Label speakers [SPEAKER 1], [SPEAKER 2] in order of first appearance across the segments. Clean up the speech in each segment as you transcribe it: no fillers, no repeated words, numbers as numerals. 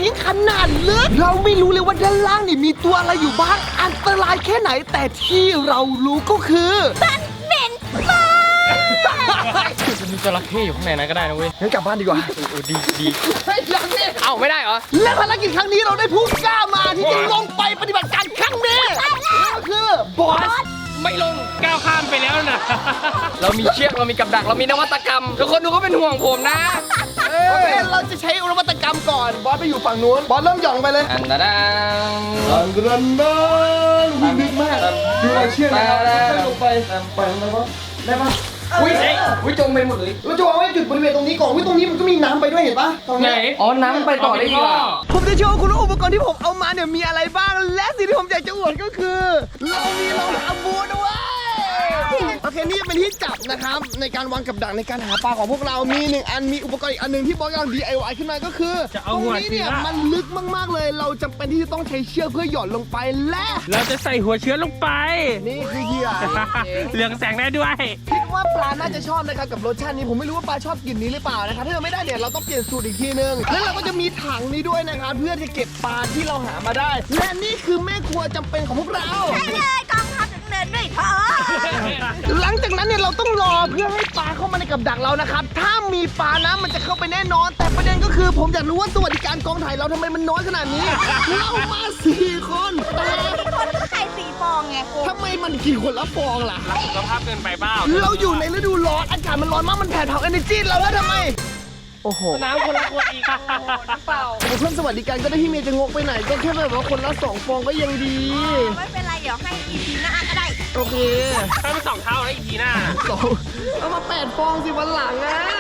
[SPEAKER 1] งขนาดลึกเราไม่รู้เลยว่าด้านล่างนี่มีตัวอะไรอยู่บ้างอันตรายแค่ไหนแต่ที่เรารู้ก็คือ
[SPEAKER 2] มันเหม็นมาก
[SPEAKER 3] จะมีจระเข้อยู่ข้างในนั้นก็ได้นะเว้ย
[SPEAKER 1] งั้นกลับบ้านดีกว่า
[SPEAKER 3] ดี
[SPEAKER 1] ไม่ยังนี่
[SPEAKER 3] เอ้าไม่ได้เหรอ
[SPEAKER 1] และภารกิจครั้งนี้เราได้ผู้กล้ามาที่จะลงไปปฏิบัติการครั้งนี้ก็คือบอส
[SPEAKER 3] ไม่ลงก้าวข้ามไปแล้วนะเรามีเชือกเรามีกับดักเรามีนวัตกรรมทุกคนดูก็เป็นห่วงผมนะ
[SPEAKER 1] โอเคเราจะใช้นวัตกรรมก่อนบอสไปอยู่ฝั่งนู้นบอสเริ่มหย่อนไปเลย
[SPEAKER 3] อันนั้น
[SPEAKER 1] ลึกมากดูเราเชือกนะครับลงไปแล้วก็ได้ปะ
[SPEAKER 3] อุ้ยจมไปหมดเลย
[SPEAKER 1] เราจะวางไว้จุดบริเวณตรงนี้ก่อนตรงนี้มันก็มีน้ำไปด้วยเห็นปะ
[SPEAKER 3] ไหนอ๋อน้ำไปต่อได้ดีกว่า
[SPEAKER 1] ผมจะโชว์คุณว่าอุปกรณ์ที่ผมเอามาเนี่ยมีอะไรบ้างและสิ่งที่ผมอยากจะอวดก็คือเรามีรองเท้าบูทด้วยโอเคนี่เป็นที่จับนะครับในการวางกับดักในการหาปลาของพวกเรามี1อันมีอุปกรณ์อีกอันนึงที่บอสกำลัง DIY ขึ้นมาก็คือตรงนี้เนี่ยมันลึกมากๆเลยเราจำเป็นที่จะต้องใช้เชือกเพื่อหย่อนลงไปและ
[SPEAKER 4] เราจะใส่หัวเชื้อลงไป
[SPEAKER 1] นี่คือเหยื่อ
[SPEAKER 4] เหลืองแสงได้ด้วย
[SPEAKER 1] คิดว่าปลาน่าจะชอบนะครับกับรสชาตินี้ผมไม่รู้ว่าปลาชอบกลิ่นนี้หรือเปล่านะครับถ้าไม่ได้เนี่ยเราต้องเปลี่ยนสูตรอีกทีนึงแล้วเราก็จะมีถังนี้ด้วยนะครับเพื่อจะเก็บปลาที่เราหามาได้และนี่คือแม่ครัวจำเป็นของพวกเรา
[SPEAKER 2] ใช่เลยกองทัพถึงเดินด้วยเถอะ
[SPEAKER 1] หลังจากนั้นเนี่ยเราต้องรอเพื่อให้ปลาเข้ามาในกับดักเรานะครับถ้ามีปลานะมันจะเข้าไปแน่นอนแต่ประเด็นก็คือผมอยากรู้ว่าสวัสดิการกองถ่ายเราทำไมมันน้อยขนาดนี้เรามา4 คนแต่
[SPEAKER 2] คนก็ใส่4 ฟองไง
[SPEAKER 1] ทำไมมันกี่คนละฟองล่ะ
[SPEAKER 4] สุขภาพเกินไปเปล่า
[SPEAKER 1] เราอยู่ในฤดูร้อนอากาศมันร้อนมากมันแผดเผา energy เราแล้วทำไมโอ้โห
[SPEAKER 4] น้ำคนละขวดอีก
[SPEAKER 3] เปล่า
[SPEAKER 1] เพิ่มสวัสดิการก็ได้พี่เมย์จะงกไปไหนก็แค่แบบว่าคนละ2 ฟองก็ยังดี
[SPEAKER 2] ไม่เป็นไรเดี๋ยวให้ EP หน้าก็ได้
[SPEAKER 1] โอเค
[SPEAKER 4] ถ้ามัน2 เท่าแล้วอีกทีหน้า
[SPEAKER 1] เอามา8 ฟองสิวันหลังอ่ะ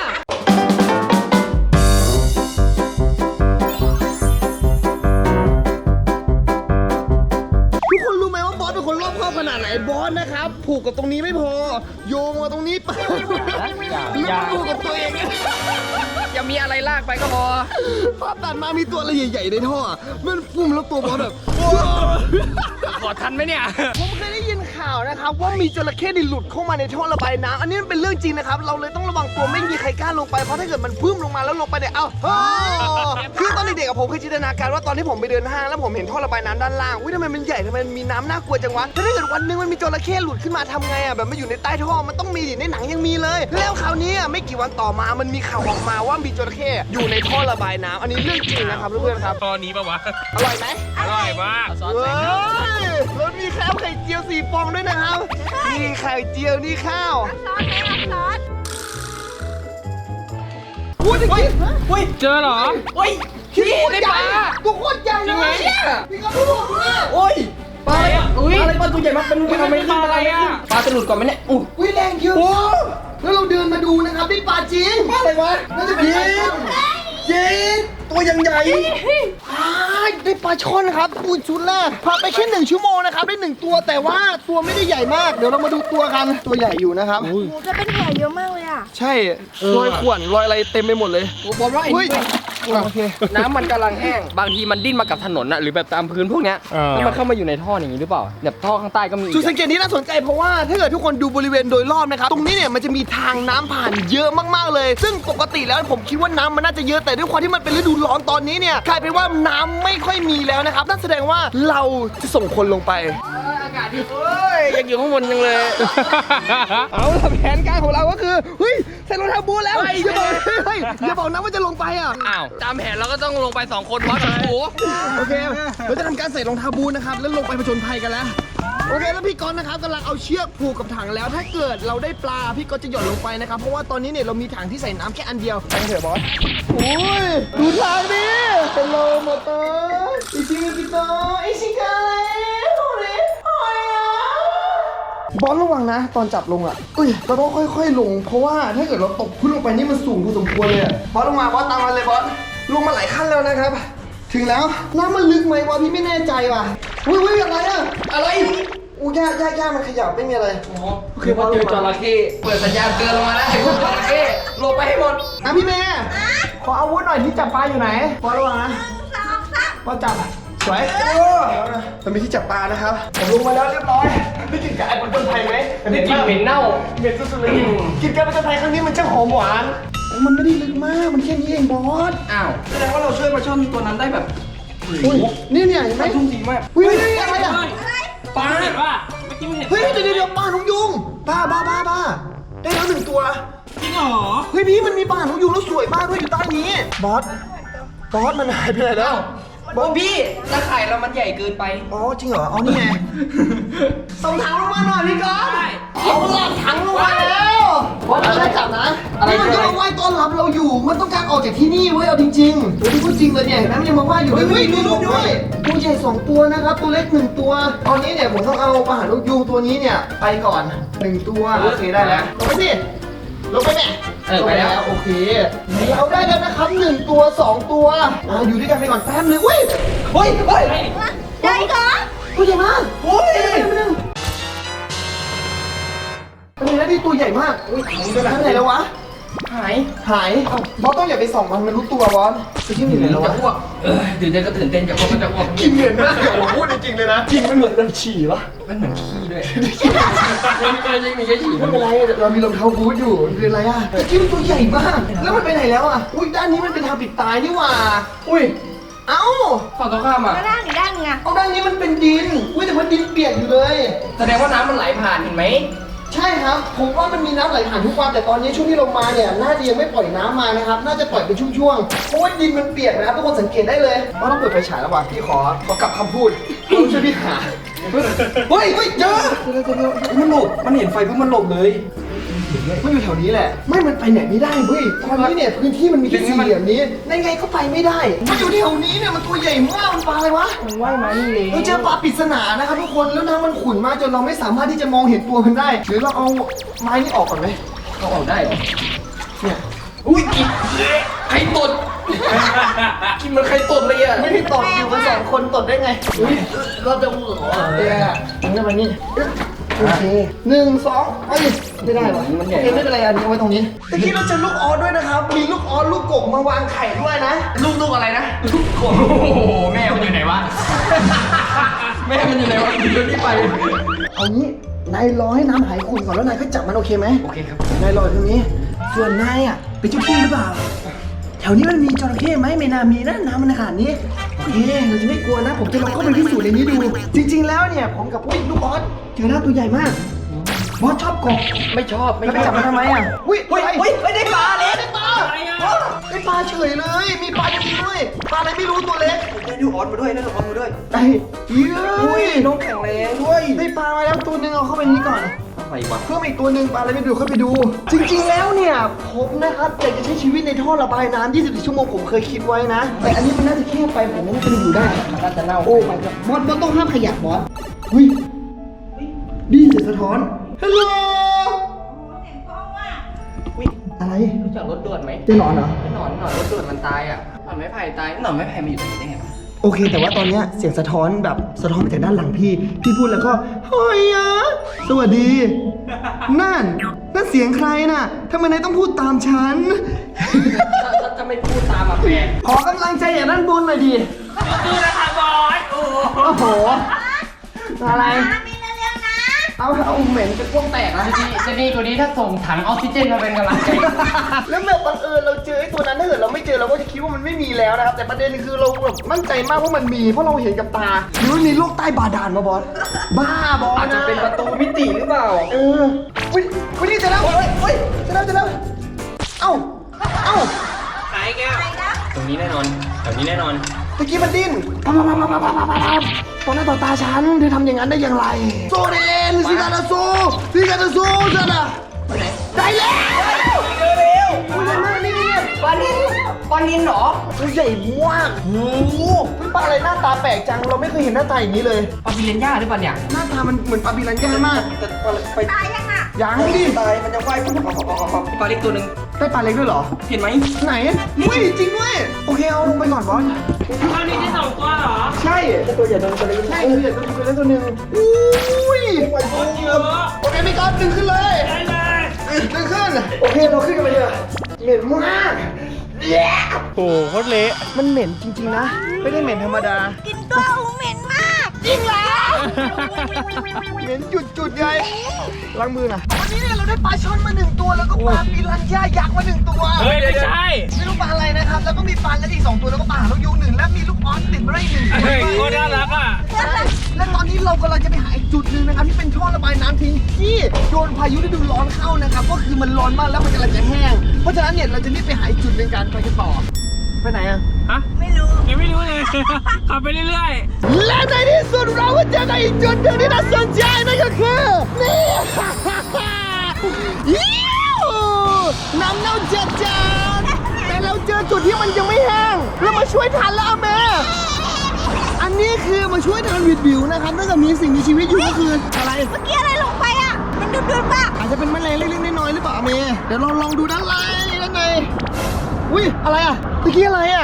[SPEAKER 1] ทุกคนรู้ไหมว่าบอสเป็นคนรอบคอบขนาดไหนบอสนะครับผูกกับตรงนี้ไม่พอโยงมาตรงนี้ไปแล้วผูกกับตัวเอง
[SPEAKER 3] อย่ามีอะไรลากไปก็พอ
[SPEAKER 1] ภาพตัดมามีตัวอะไรใหญ่ๆในท่อมันปุ่มแล้วตัวบอสแบบ
[SPEAKER 3] ขอทันไหมเนี่ย
[SPEAKER 1] ผมเคยได้ยินข่าวนะครับว่ามีจระเข้ดิหลุดเข้ามาในท่อระบายน้ำอันนี้มันเป็นเรื่องจริงนะครับเราเลยต้องระวังตัวไม่มีใครกล้าลงไปเพราะถ้าเกิดมันพุ่มลงมาแล้วลงไปเนี่ยคือตอนเด็กๆผมเคยจินตนาการว่าตอนที่ผมไปเดินห้างแล้วผมเห็นท่อระบายน้ำด้านล่างทำไมมันใหญ่ทำไมมันมีน้ำน่ากลัวจังวะถ้าเกิดวันนึงมันมีจระเข้หลุดขึ้นมาทำไงอ่ะแบบมันอยู่ในใต้ท่อมันต้องมีในหนังยังมีเลยแล้วคราวนี้ไม่กี่วันต่อมามันมีข่าวออกมาว่ามีจระเข้อยู่ในท่อระบายน้ำอันนี้เรื่องจริงนะครับเพื่อนๆครับ
[SPEAKER 4] ตอนนี้ปะวะ
[SPEAKER 1] อร่อยไหม
[SPEAKER 4] อร่อยมาก
[SPEAKER 1] แล้วมีข้าวไข่เจียว4 ฟองด้วยนะครับนี่ไข่เจียวนี่ข้าวพูดจริง
[SPEAKER 4] เจอเหรอ
[SPEAKER 1] พี่ได้ปลาตัวโคตรใหญ่เลยพี่ก็พูดเนี่ยโอ้ยปลาอะไรปลาตัวใหญ่มากเป็น
[SPEAKER 4] ทำไมปลาอะไรอ่ะ
[SPEAKER 3] ปลาจะหลุดก่อนไหมเนี่ย
[SPEAKER 1] อุ้ยแรงเยอะแล้วเราเดินมาดูนะครับได้ปลาจริงปลาอะไรวะน่าจะเป็นปลาช่อนเย้ตัวยังใหญ่ได้ปลาช่อนครับปูนชุดแรกพาไปแค่1 ชั่วโมงนะครับได้1 ตัวแต่ว่าตัวไม่ได้ใหญ่มากเดี๋ยวเรามาดูตัวกันตัวใหญ่อยู่นะครับ
[SPEAKER 2] โอ้จะเป็นแผลเยอะมากเลยอ่ะ
[SPEAKER 1] ใช่รอยข่วนรอยอะไรเต็มไปหมดเลย
[SPEAKER 3] บอกว่าโอเคน้ำมันกำลังแห้งบางทีมันดิ้นมากับถนนน่ะหรือแบบตามพื้นพวกเนี้ยแล้วมันเข้ามาอยู่ในท่ออย่างนี้หรือเปล่าแบบท่อข้างใต้ก็มี
[SPEAKER 1] จุดสังเกตนี้น่าสนใจเพราะว่าถ้าเกิดทุกคนดูบริเวณโดยรอบนะครับตรงนี้เนี่ยมันจะมีทางน้ำผ่านเยอะมากๆเลยซึ่งปกติแล้วผมคิดว่าน้ำมันน่าจะเยอะแต่ด้วยความที่มันเป็นฤดูร้อนตอนนี้เนี่ยกลายเป็นว่าน้ำไม่ค่อยมีแล้วนะครับนั่นแสดงว่าเราจะส่งคนลงไป
[SPEAKER 3] อากาศดียังอยู่ข้างบนยังเลย
[SPEAKER 1] เอาแผนการของเราก็คือเฮ้ยใส่รองเท้าบูทแล้วอย่าบอกนะว่าจะลงไปอ่ะ
[SPEAKER 3] อ้าวตามแผนเราก็ต้องลงไป2 คนวัดโอ้
[SPEAKER 1] โอเคเราจะทำการใส่รองเท้าบูทนะครับแล้วลงไปผจญภัยกันแล้วโอเคแล้วพี่ก๊อตนะครับกำลังเอาเชือกผูกกับถังแล้วถ้าเกิดเราได้ปลาพี่ก๊อตจะหย่อนลงไปนะครับเพราะว่าตอนนี้เนี่ยเรามีถังที่ใส่น้ำแค่อันเดียวไปเถอะบอสโอ้ยดูทางดิเป็นโลมอเตอร์อิชิมิกิโตอิชิกาบอสระวังนะตอนจับลงอ่ะเราต้องค่อยๆลงเพราะว่าถ้าเกิดเราตกขึ้นลงไปนี่มันสูงพอสมควรเลยบอสลงมาบอสตามมาเลยบอสลงมาหลายขั้นแล้วนะครับถึงแล้วน้ำมันลึกไหมวะพี่ไม่แน่ใจว่ะอุ้ยอะไรอะอะไรย่ามันขยับไม่มีอะไร
[SPEAKER 3] คือพอเจอจระเข้เปิดสัญญาณเตือนลงมาแล้วไอ้พวกจระเข้ลงไปให้หมด
[SPEAKER 1] พี่เมย์ขออาวุธหน่อยที่จับปลาอยู่ไหนบอสระวังนะบอสจับสวยมันมีที่จับปลานะครับผมลงมาแล้วเรียบร้อยได้กินไก่ผจญภัยไหม
[SPEAKER 3] ได้กินเหม็นเน่า
[SPEAKER 1] เหม็นสุดๆเลยกินไก่ผจญภัยครั้งนี้มันช่างหอมหวานมันไม่ได้ลึกมากมันแค่นี้เองบอส
[SPEAKER 3] อ้าวแสดงว่าเราช่วยปลาช่อนตัวนั้นได้แบบ
[SPEAKER 1] อุ้ยนี่เนี่ยเห็นไหม
[SPEAKER 3] ไม่ทุ่มทีมาก
[SPEAKER 1] อุ้ยอะไรอ่ะ
[SPEAKER 3] ปลา
[SPEAKER 4] เห็นว่าเมื่อกี้ไม่เห็น
[SPEAKER 1] เฮ้ยเดี๋ยวปลานกยุงบ้าได้แล้ว1 ตัว
[SPEAKER 4] จริงเหรอ
[SPEAKER 1] เฮ้ยพี่มันมีปลานกยุงแล้วสวยมากด้วยอยู่ใต้นี้บอสมันหายไปไหนแล้ว
[SPEAKER 3] บอพี่ตะข่ายเรามันใหญ่เกินไป
[SPEAKER 1] อ๋อจริงเหรอเอานี่ไงส่งถังลงมาหน่อยพี่ก๊อฟเอาหลักถังลงมาแล้วบอสอะไรจับนะนี่มันจะมาไหว้ต้อนรับเราอยู่มันต้องการออกจากที่นี่เว้ยเอาจริงๆเฮ้ยพูดจริงเลยเนี่ยเห็นไหมมันยังมาไหว้อยู่เฮ้ยดูรูปด้วยตัวใหญ่2 ตัวนะครับตัวเล็ก1 ตัวตอนนี้เนี่ยผมต้องเอาปลาหางนกยูงตัวนี้เนี่ยไปก่อน1 ตัวโอเคได้แล้วลงไปสิลงไปแม่
[SPEAKER 3] ไปแล้ว
[SPEAKER 1] โอเคเราได้แล้วนะครับ1 ตัว 2 ตัวอยู่ด้วยกันไปก่อนแป๊บนึงเฮ้ย
[SPEAKER 2] ใหญ่เหรอ
[SPEAKER 1] ตัวใหญ่มากโอ้ยเป็นไงที่ตัวใหญ่มากอุ้ยไปไหนแล้ววะ
[SPEAKER 3] หาย
[SPEAKER 1] หายบอสต้องอย่าไปส่องมันรู้ตัวบอสไปที่ไหนแล้ว
[SPEAKER 3] จะ
[SPEAKER 1] วะ
[SPEAKER 3] อ้วกตื่นเต้นก็ตื่นเต้นจะอ้วกก็จะอ้วก
[SPEAKER 1] กินเหมือนมากผมพูดจริงๆเลยนะกินไม่เหมือนเราฉี่วะ
[SPEAKER 3] มันเหมือนขี้ด้วยไม่มีแค่ฉี่
[SPEAKER 1] ไม่เป็นไรเรามีรองเท้าบูทอยู่เป็นไรอ่ะแต่กิ้มตัวใหญ่มาก แล้วมันไปไหนแล้วอ่ะอุ้ยด้านนี้มันเป็นทางปิดตายนี่หว่าอุ้ยเอ้า
[SPEAKER 3] ฝั่งตรงข้ามอ่ะ
[SPEAKER 2] แล้วด้านอีกด้านไง
[SPEAKER 1] เอาด้านนี้มันเป็นดินอุ้ยแต่ว่าดินเปียกอยู่เลย
[SPEAKER 3] แสดงว่าน้ำมันไหลผ่านเห็นไหม
[SPEAKER 1] ใช่ครับ ผมว่ามันมีน้ำไหลผ่านทุกวันแต่ตอนนี้ช่วงที่ลงมาเนี่ยน่าจะยังไม่ปล่อยน้ำมานะครับ น่าจะปล่อยเป็นช่วงๆเพราะว่าดินมันเปียกนะครับทุกคนสังเกตได้เลยว่าต้องเปิดไฟฉายแล้วว่ะพี่ขอกลับคำพูดต้องช่วยพี่หาเฮ้ยเจอมันหลบมันเห็นไฟปุ๊บมันหลบเลยมันอยู่แถวนี้แหละไม่มันไปไหนไม่ได้เว้ยตอนนี้เนี่ยพื้นที่มันมีแค่สี่เหลี่ยมนี้ไงก็ไปไม่ได้มันอยู่แถวนี้เนี่ยมันตัวใหญ่มากมันปลาอะไรวะ
[SPEAKER 3] มันว่ายมานี่เลย
[SPEAKER 1] เราเจอปลาปริศนานะครับทุกคนแล้วน้ำมันขุ่นมากจนเราไม่สามารถที่จะมองเห็นตัวมันได้หรือเราเอาไม้นี่ออกก่อนไหม
[SPEAKER 3] เขาออกได้เหรอ
[SPEAKER 1] เนี่ย
[SPEAKER 3] อุ้ยกินใครตดกินมันใครตดเลยอ่ะ
[SPEAKER 1] ไม่ได้ตดอยู่กัน2 คนตดได้ไงอุ้ยเราจะหัวเนี่ยถึงจะมานี่โอเค1 2ไม่ได้หรอโอเคไม่เป็นไรอันนี้เอาไว้ตรงนี้ตะกี้เราเจอลูกออสด้วยนะครับมีลูกออสลูกกบมาวางไข่ด้วยนะ
[SPEAKER 3] ลูกอะไรนะลูกกบโอ้โหแม่มันอยู่ไหนวะแม่มันอยู่ไหนวะเดี๋ยวนี้ไป
[SPEAKER 1] เอางี้นายรอให้น้ำหายขุ่นก่อนแล้วนายก็จับมันโอเคไหม
[SPEAKER 3] โอเคครับ
[SPEAKER 1] นายรอตรงนี้ส่วนนายอ่ะเป็นเจ้าที่หรือเปล่าแถวนี้มันมีจระเข้ไหมไม่น่ามีนะน้ำมันขนาดนี้โอเคเราจะไม่กลัวนะผมจะลองเข้าไปพิสูจน์ในนี้ดู จริง ๆ แล้วเนี่ยผมกับอุ้ยลูกออสเจอหน้าตัวใหญ่มากบอสชอบกบ
[SPEAKER 3] ไม่ชอบ
[SPEAKER 1] แล้วไปจับมันทำไมอ่ะอุ้ยได้ปลาเล็กได้ปลา
[SPEAKER 4] อะไรอ่ะ
[SPEAKER 1] ได้ปลาเฉยเลย มีปลาจริงๆด้วยปลาอะไรไม่รู้ตัวเล็ก
[SPEAKER 3] ได้ลูกออสมาด้วยได้ลูกออสมาด้วย
[SPEAKER 1] ไอ้เฮ้ย
[SPEAKER 3] น้องแข็งแรงด้วย
[SPEAKER 1] ได้ปลามาแล้วตัวหนึงเอาเข้าไปนี้ก่อน
[SPEAKER 3] อะไรวะ
[SPEAKER 1] เพิ่มอีกตัวหนึ่งปลาอะไรไม่ดูเข้าไปดู จริงๆแล้วเนี่ยผมนะครับอยากจะใช้ชีวิตในท่อระบายน้ำ24 ชั่วโมงผมเคยคิดไว้นะ แต่อันนี้มันน่าจะแคบไปผมว่ามันจะอยู่ได้
[SPEAKER 3] มันน่าจะเน่า
[SPEAKER 1] โอ้ my god บอสต้องห้ามขยับบอสหุ้ยดีเสียงสะท้อนฮัลโหลอะไร
[SPEAKER 3] รู้จักรถด่วนไหม
[SPEAKER 1] จะนอนเหรอ
[SPEAKER 3] หนอนรถด่วนมันตายอ่ะหนอนไม้ไผ่ตายหนอนไม้ไผ่มาอยู่ตรงนี้ได้ไงวะ
[SPEAKER 1] โอเค แต่ว่าตอนเนี้ยเสียงสะท้อนแบบสะท้อนมาจากด้านหลังพี่พูดแล้วก็เฮ้ยอะสวัสดี นั่นเสียงใครน่ะทำไมนายต้องพูดตามฉัน
[SPEAKER 3] ถ้าจะไม่พูดตามอ่ะแปลก
[SPEAKER 1] ขอกำลังใจอย่างด้านบนหน่อยดิ
[SPEAKER 4] ดูนะคะบอสโอ้โห
[SPEAKER 1] โอ้โห อะไร
[SPEAKER 2] มีเร็วๆนะ
[SPEAKER 1] เอาเหม็นจะพ่วงแตกนะ
[SPEAKER 3] จะดีกว่านี้ถ้าส่งถังออกซิเจนมาเป็นกำลังใจ
[SPEAKER 1] แล้วแบบบังเอิญเราเจอไอ้ตัวนั้นถ้าเกิดเราไม่เจอเราก็จะคิดว่ามันไม่มีแล้วนะครับ แต่ประเด็นคือเราแบบมั่นใจมากว่ามันมี เพราะเราเห็นกับตา หรือมันมีโลกใต้บาดาลมาบอส บ้าบอส
[SPEAKER 3] อาจจะเป็นประตูมิติหรือเปล่า
[SPEAKER 1] วินี่จะแล้วจะแล้วเอ้า
[SPEAKER 4] ไหนแก้ว
[SPEAKER 3] ตรงนี้แน่นอนแถวนี้แน่นอน
[SPEAKER 1] ตะกี้มันดิ้นต่อหน้าต่อตาฉันเธอทำอย่างนั้นได้อย่างไรโซเดนซิกาตาโซจัดอะได้แล้วอุ้ยใหญ่มากนี่ปลานินเหรอตัวใหญ่มากโอ้โหปลาอะไรหน้าตาแปลกจังเราไม่เคยเห็นหน้าตาอย่างนี้เลย
[SPEAKER 3] ปาปิเรนย่าหรือเปล่าเนี่ย
[SPEAKER 1] หน้าตามันเหมือนปลาบิลันย่ามากแต่ปลาไป
[SPEAKER 2] ตายยังอ่ะ
[SPEAKER 1] ยังดิ
[SPEAKER 3] ตายมันจะว่ายปุ๊บปลาเล็กตัวหนึ่ง
[SPEAKER 1] ได้ปลาเล็กด้วยเหรอ
[SPEAKER 3] เห็นไหม
[SPEAKER 1] ไหนอุ้ยจริงด้วยโอเคเอาลงไปก่อนบอส
[SPEAKER 4] เท่านี้ได้2 ตัวเหรอ
[SPEAKER 1] ใช่ตัวใหญ่ตัวเล็กใช่ตัวใหญ่ตัวเล็กตัวหนึ่งอุ้ย
[SPEAKER 4] เยอะ
[SPEAKER 1] โอเคพี่ก๊อฟดึงขึ้นเลย
[SPEAKER 4] ได้เลย
[SPEAKER 1] ดึงขึ้นโอเคเราขึ้นกันไปเลยเหม็นมากโอ้โคตรเละมันเหม็นจริงๆนะไม่ได้เหม็นธรรมดา
[SPEAKER 2] กินตัวอูเหม็นมาก จริงแล้ว
[SPEAKER 1] เหม็นจุดๆไงล้างมือนะวันนี้เนี่ยเราได้ปลาช่อนมา1ตัวแล้วก็ปลาปิรันย่ายักษ์มา1ตัว
[SPEAKER 4] เฮ้ยไม่ใช่
[SPEAKER 1] ไม่รู้ปลาอะไรนะครับแล้วก็มีปลาและอีก2ตัวแล้วก็ปลาหางนกยูง1และมีลูกออสติดมาได้อีก1ตัว
[SPEAKER 4] เฮ้ยโคตรน่ารักอ่ะ
[SPEAKER 1] และตอนนี้เรากำลังจะไปหาอีกจุดหนึ่งนะครับที่เป็นท่อระบายน้ำทิ้งที่โดนพายุฤดูร้อนเข้านะครับก็คือมันร้อนมากแล้วมันกำลังจะแห้งเพราะฉะนั้นเนี่ยเราจะรีบไปหาอีกจุดหนึ่งกันไปกันต่อไปไหนอะ
[SPEAKER 4] ฮะ
[SPEAKER 2] ไม่รู้
[SPEAKER 4] ยังไม่รู้เลย ขับไปเรื่อย
[SPEAKER 1] และในที่สุดเราก็เจอกันอีกจุดหนึ่งที่น่าสนใจนั่นก็คือนี่ ยิ้วน้ำเน่าจัดแต่เราเจอจุดที่มันยังไม่แห้งเรามาช่วยทันแล้วแม่อันนี้คือมาช่วยทันวิดวิวนะครับถ้าเกิดมีสิ่งมีชีวิตอยู่ก็คืออะไร
[SPEAKER 2] เมื่อกี้อะไรลงไปอ่ะ มันดุดๆป่ะ
[SPEAKER 1] อาจจะเป็นแมลงเล็กๆน้อยๆหรือเปล่าเมย์เดี๋ยวเราลองดูด้านในอุ้ยอะไรอ่ะตะกี้อะไรอ่ะ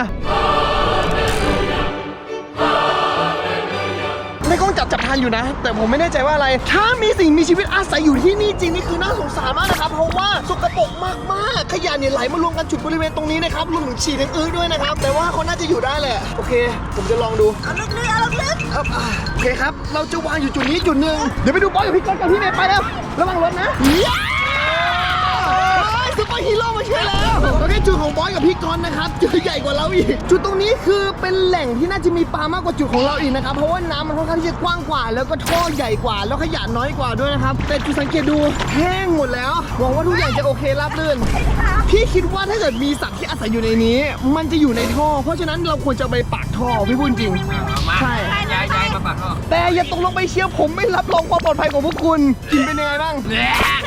[SPEAKER 1] ในกล้องจับทันอยู่นะ แต่ผมไม่แน่ใจว่าอะไร ถ้ามีสิ่งมีชีวิตอาศัยอยู่ที่นี่จริงนี่คือน่าสงสารมากนะครับเพราะว่าสกปรกมากๆขยะเนี่ยไหลมารวมกันจุดบริเวณตรงนี้นะครับรวมถึงฉี่ทั้งอื้อด้วยนะครับแต่ว่าเขาน่าจะอยู่ได้แหละโอเค ผมจะลองดู
[SPEAKER 2] เอาลึกๆเอาลึก
[SPEAKER 1] ครับโอเคครับ เราจะวางอยู่จุดนี้จุดหนึ่งเดี๋ยวไปดูบอสกับพี่ก๊อตกับพี่เมย์ไปแล้วระวังรถนะซุปเปอร์ฮีโร่มาช่วยแล้วโอเคจุดของบอสกับพี่ก๊อตนะครับจุดใหญ่กว่าเราอีกจุดตรงนี้คือเป็นแหล่งที่น่าจะมีปลามากกว่าจุดของเราอีกนะครับเพราะว่าน้ำมันค่อนข้างที่จะกว้างกว่า แล้วก็ท่อใหญ่กว่าแล้วขยะน้อยกว่าด้วยนะครับแต่จุดสังเกตดูแห้งหมดแล้วหวังว่าทุกอย่างจะโอเคราบรื่นพี่คิดว่าถ้าเกิดมีสัตว์ที่อาศัยอยู่ในนี้ มันจะอยู่ในท่อเพราะฉะนั้นเราควรจะไปปากท่อพี่พูดจริง
[SPEAKER 4] ๆ มา
[SPEAKER 1] ใช่
[SPEAKER 4] ย้ายมาปากท่อ
[SPEAKER 1] แต่อย่าตกลงไปเชียวผมไม่รับรองความปลอดภัยของพวกคุณ กินเป็นยังไงบ้าง
[SPEAKER 2] ๆ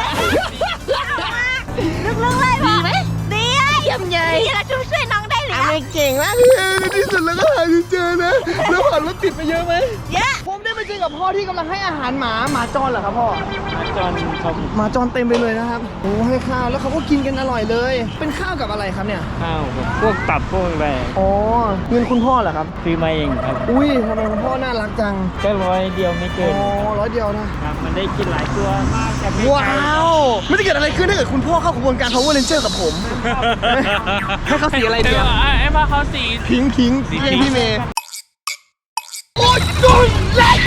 [SPEAKER 2] ลึกๆเลยดีไหมดีเลยเยี่ยมเลยดีแล้วช่วยน้องได้หรือ
[SPEAKER 1] ไม่เก่งมากเลยในที่สุดแล้วก็หาจนเจอนะ แล้วผ่านรถติดไปเยอะไหม
[SPEAKER 2] เยอะ
[SPEAKER 1] ผมได้ไปเจอกับพ่อที่กำลังให้อาหารหมาจรเหรอครับพ่อ
[SPEAKER 4] จอนครับ
[SPEAKER 1] หมาจรเต็มไปเลยนะครับโอ้ให้ข้าวแล้วเขาก็กินกันอร่อยเลย เป็นข้าวกับอะไรครับเนี่ย
[SPEAKER 5] ข้าวกับพวกตับพวกอะไร
[SPEAKER 1] อ๋อเงินคุณพ่อเหรอครับ
[SPEAKER 5] ซื้อมาเองครับ
[SPEAKER 1] อุ้ยทำไมคุณพ่อน่ารักจัง
[SPEAKER 5] ก็100เดียวไม่
[SPEAKER 1] อ๋
[SPEAKER 5] เกิน
[SPEAKER 1] อ100 เดียวนะ
[SPEAKER 5] ครับมันได้กินหลายตัวมากแต่ไม่
[SPEAKER 1] ว้าวไม่จะเกิดอะไรขึ้นถ้าเกิดคุณพ่อเข้ากระบวนการ Power Ranger กับผม ให้เขาสีอะไรดีอะ
[SPEAKER 4] ไอ้มาเขาสี
[SPEAKER 1] พิงค์เรียกพี่เมย์โอ้ยดุนเล็ก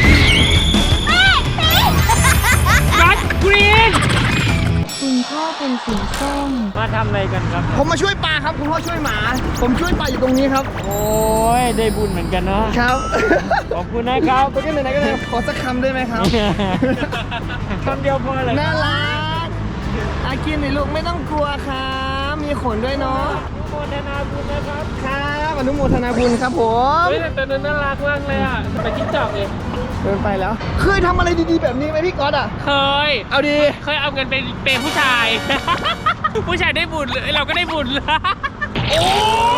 [SPEAKER 4] กัดกรีน
[SPEAKER 2] คุณพ่อเป็นสีส้ม
[SPEAKER 5] มาทำอะไรกันครับ
[SPEAKER 1] ผมมาช่วยปลาครับคุณพ่อช่วยหมา ผมช่วยปลาอยู่ตรงนี้ครับ
[SPEAKER 5] โอ้ยได้บุญเหมือนกันเนาะ
[SPEAKER 1] ครับ
[SPEAKER 5] ขอบคุณนะครับ
[SPEAKER 1] โอเคไหนๆก็ได้ขอสักคำได้ไหมครับ
[SPEAKER 5] คำเดียวพอเลย
[SPEAKER 1] น่ารักอากินหน่อยลูกไม่ต้องกลัวครับมีขนด้วยเนาะ
[SPEAKER 5] โมทนาบุญนะครับ
[SPEAKER 1] ครับอนุโมทนาบุญครับผม
[SPEAKER 4] เฮ้ยแต่ตัวนั้นน่ารักมากเลยอ่ะไปจิ้งจอกเลย
[SPEAKER 1] เดินไปแล้ว เคยทำอะไรดีๆแบบนี้ไหมพี่ก๊อตอ่ะ
[SPEAKER 4] เคย
[SPEAKER 1] เอาดี
[SPEAKER 4] เคยเอาเงินไปเปย์ผู้ชาย ผู้ชายได้บุญเลยเราก็ได้บุญเลย
[SPEAKER 1] โอ้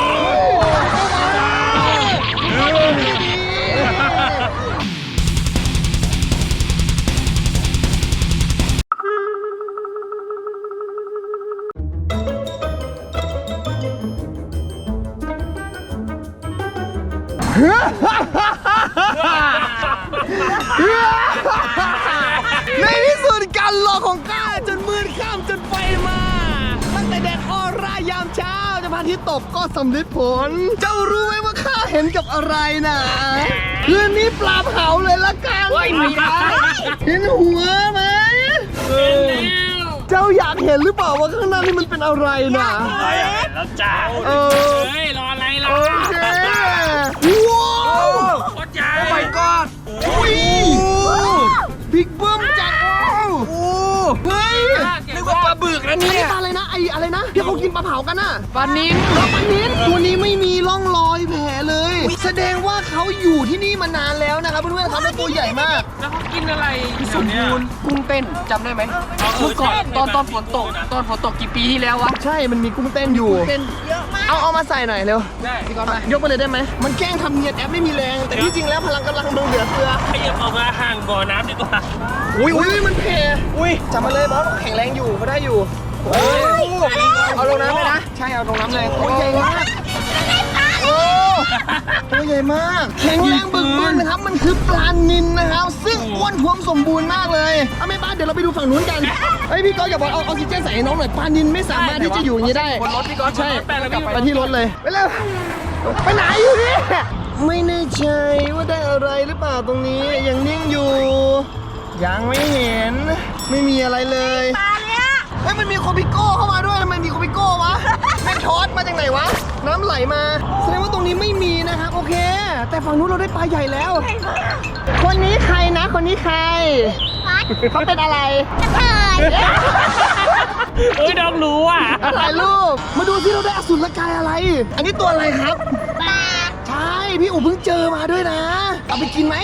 [SPEAKER 1] ในที่สุดการรอของข้าจนมืดค่ำจนไฟมาตั้งแต่แดดออร่ายามเช้าจะพระอาทิตย์ตกก็สำเร็จผล เจ้ารู้ไหมว่าข้าเห็นกับอะไรนะคืนนี้ปลาเผาเลยละกัน
[SPEAKER 4] ไม่ได้
[SPEAKER 1] เห็นหัวไหมเจ้าอยากเห็นหรือเปล่าว่าข้างหน้านี่มันเป็นอะไรนะ
[SPEAKER 5] แล้วจ้า
[SPEAKER 1] เออ
[SPEAKER 4] เฮ้ยรออะไรล่ะ
[SPEAKER 1] โอเคว้าว
[SPEAKER 4] โคตรใหญ่
[SPEAKER 1] โอ้ my god อุ้ยบิ๊กเบิ้มจัดโอ้เฮ้ย
[SPEAKER 4] นึกว่าปลาบึกนะ
[SPEAKER 1] อัน
[SPEAKER 4] เนี่
[SPEAKER 1] นี้
[SPEAKER 4] ย
[SPEAKER 1] ปลาอะไรนะไออะไรนะที่เขากินปลาเผากันน่ะ
[SPEAKER 4] ปลานิ้น
[SPEAKER 1] ปลานิ้นตัวนี้ไม่มีร่องรอยแผลเลย แสดงว่าเขาอยู่ที่นี่มานานแล้วนะครับเพื่อนๆครับแล้วตัวใหญ่มาก
[SPEAKER 4] แล้วเขากินอะไร
[SPEAKER 3] สมบูรณ์กุ้งเต้นจำได้ไหมเมื่อก่อนตอนฝนตกกี่ปีที่แล้ววะ
[SPEAKER 1] ใช่มันมีกุ้งเต้นอยู่
[SPEAKER 3] เต้น
[SPEAKER 1] เอามาใส่หน่อยเร็ว
[SPEAKER 4] ได้
[SPEAKER 3] พี่ก๊อฟไป
[SPEAKER 1] ยกมาเลยได้ไหมมันแกล้งทำเนียนแอปไม่มีแรง แต่ที่จริงแล้วพลังกำลังมึงเหลือเฟือ
[SPEAKER 4] ขยับออกมาห่างบ่อน้ำดีกว่า
[SPEAKER 1] อุ้ยมันเพอุ้ยจับมาเลยบอสแข็งแรงอยู่ก็ได้อยู่โอ้ยเอาลงน้ำเลยนะใช่เอาลงน้ำเลยตัวใหญ่มากโอ้ตัวใหญ่มากแข็งแรงบึกบึนนะครับมันคือปลานิลนะครับซึ่งอ้วนท้วมสมบูรณ์มากเลยเอาไม่บ้านเดี๋ยวเราไปดูฝั่งนู้นกันเฮ้ยพี่ก๊อฟอย่าบอกเอาออกซิเจนใส่ให้น้องหน่อยปลานิลไม่สามารถที่จะอยู่อย่างนี้ได้
[SPEAKER 3] บนรถพี่ก๊อฟ
[SPEAKER 1] ใช่
[SPEAKER 3] บนรถไปแล้ว
[SPEAKER 1] กลับ
[SPEAKER 3] วิ่ง
[SPEAKER 1] ไปที่รถเลยไปเร็วไปไหนอยู่เนี่ยไม่แน่ใจว่าได้อะไรหรือเปล่าตรงนี้ยังนิ่งอยู่ ยังไม่เห็นไม่มีอะไรเลย
[SPEAKER 2] ปลาเนี่ย
[SPEAKER 1] เฮ้ยมันมีโคปิโก้เข้ามาด้วยทำไมมีโคปิโก้วะแม่งทอดมาจากไหนวะน้ำไหลมาแสดงว่าตรงนี้ไม่มีนะครับโอเค แต่ฝั่งนู้นเราได้ปลาใหญ่แล้ว คนนี้ใครนะคนนี้ใครเขาเป็นอะไร
[SPEAKER 2] กระเทย
[SPEAKER 4] เอ้ยน้องรู้อ่ะ
[SPEAKER 1] ถ่ายรูปมาดูที่เราได้อสุรกายอะไร อันนี้ตัวอะไรครับ
[SPEAKER 2] ปลา
[SPEAKER 1] ใช่ พี่อู๋เพิ่งเจอมาด้วยนะ เอาไปกินไหม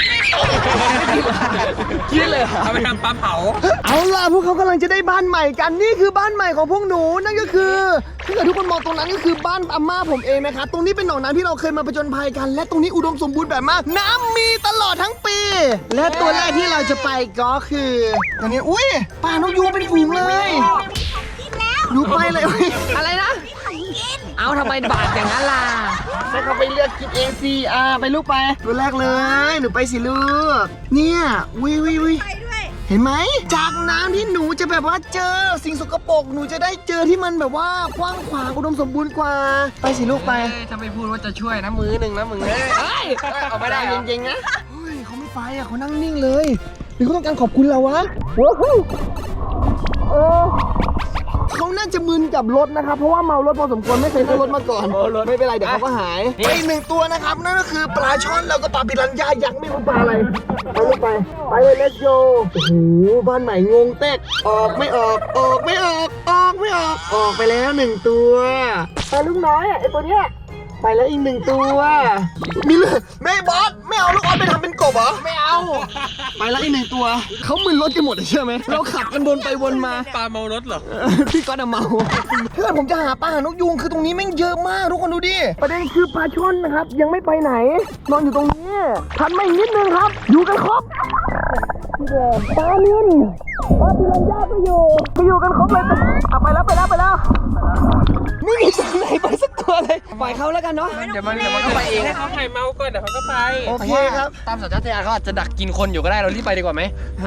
[SPEAKER 3] กินเลยเอาไปทำปลาเผา
[SPEAKER 1] เอาล่ะพวกเขากำลังจะได้บ้านใหม่กันนี่คือบ้านใหม่ของพวกหนูนั่นก็คือถ้าเกิดทุกคนมองตรงนั้นก็คือบ้านอาม่าผมเองนะคะตรงนี้เป็นหนองน้ำที่เราเคยมาผจญภัยกัน และตรงนี้อุดมสมบูรณ์แบบมากน้ำมีตลอดทั้งปี และตัวแรกที่เราจะไปก็คือตอนนี้อุ้ยปลานกยูงเป็นฝูงเลย
[SPEAKER 2] กินแล้ว
[SPEAKER 1] หนูไปเลยอุ๊ย
[SPEAKER 3] อะไรนะ
[SPEAKER 2] ของกิน
[SPEAKER 3] เอาทำไมบาดอย่างนั้นล่ะ
[SPEAKER 1] ให้เขาไปเลือกกินเองสิไปลูกไปตัวแรกเลยหนูไปสิลูกเนี่ยวิ
[SPEAKER 2] ไปด้วย
[SPEAKER 1] เห็นไหมจากน้ำที่หนูจะแบบว่าเจอสิ่งสกปรกหนูจะได้เจอที่มันแบบว่ากว้างขวางอุดมสมบูรณ์กว่าไปสิลูกไป
[SPEAKER 3] ถ้าไม่พูดว่าจะช่วยนะมือหนึ่งนะมึงเฮ้ยเอาไม่ได้เหรอ
[SPEAKER 1] เก่งๆนะเฮ้ยเขาไม่ไปเขานั่งนิ่งเลยหรือเขาต้องการขอบคุณเราวะว้าวเขาน่าจะมึนกับรถนะครับเพราะว่าเมารถพอสมควรไม่เคยเข้ารถมาก่อนไม่เป็นไรเดี๋ยวเขาก็หายไปอีกหนึ่งตัวนะครับนั่นก็คือปลาช่อนแล้วก็ปลาปิรันย่ายักษ์ไม่รู้ปลาอะไรไปลูกไปเลย let's go โอ้โหบ้านใหม่งงแตกออกไม่ออกออกไม่ออกออกไม่ออกออกไปแล้วหนึ่งตัวไปลูกน้อยไอตัวเนี้ยไปแล้วอีกหนึ่งตัวมีเลยแม่บอสไม่เอาลูกออสไปทำเป็นกบเหรอไม่เอาไปแล้วอีกหนึ่งตัวเขามึนรถกันหมดเลยเชื่อไหมเราขับกันวนไปวนมา
[SPEAKER 4] ปลาเมารถเหรอ
[SPEAKER 1] พี่ก๊อตอะเมาถ้าเกิดผมจะหาปลาหานกยูงคือตรงนี้แม่งเยอะมากทุกคนดูดิประเด็นคือปลาช่อนนะครับยังไม่ไปไหน นอนอยู่ตรงนี้ทันไม่นิดนึงครับ อยู่กันครบปลานินปลาปิรันย่าก็อยู่กันครบเลยไปแล้วไม่มีตัวไหนไปสักตัวเลยปล่อยเขาแล้วกันเนาะ
[SPEAKER 3] เดี๋ยวมันก็ไปเอง
[SPEAKER 4] ให้เขาหายเมาก่อนเดี๋ยวเขาก็ไป
[SPEAKER 1] โอเคครับ
[SPEAKER 3] ตามสัญชาตญาณเขาอาจจะดักกินคนอยู่ก็ได้เรารีบไปดีกว่าไหม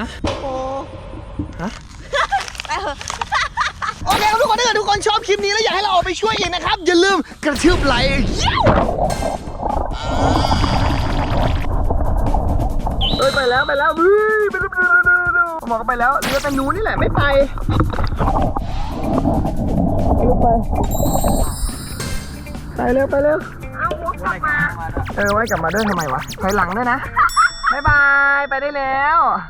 [SPEAKER 1] โอเคครับทุกคนถ้าเกิดทุกคนชอบคลิปนี้แล้วอยากให้เราออกไปช่วยอีกนะครับอย่าลืมกระทืบไลค์ไปแล้วหมอก็ไปแล้วเรือแต่หนูนี่แหละไม่ไปไปเร็วเอาหัวกลับมาไว้กลับมาด้วยทำไมวะถอยหลังด้วยนะบ๊ายบายไปได้แล้ว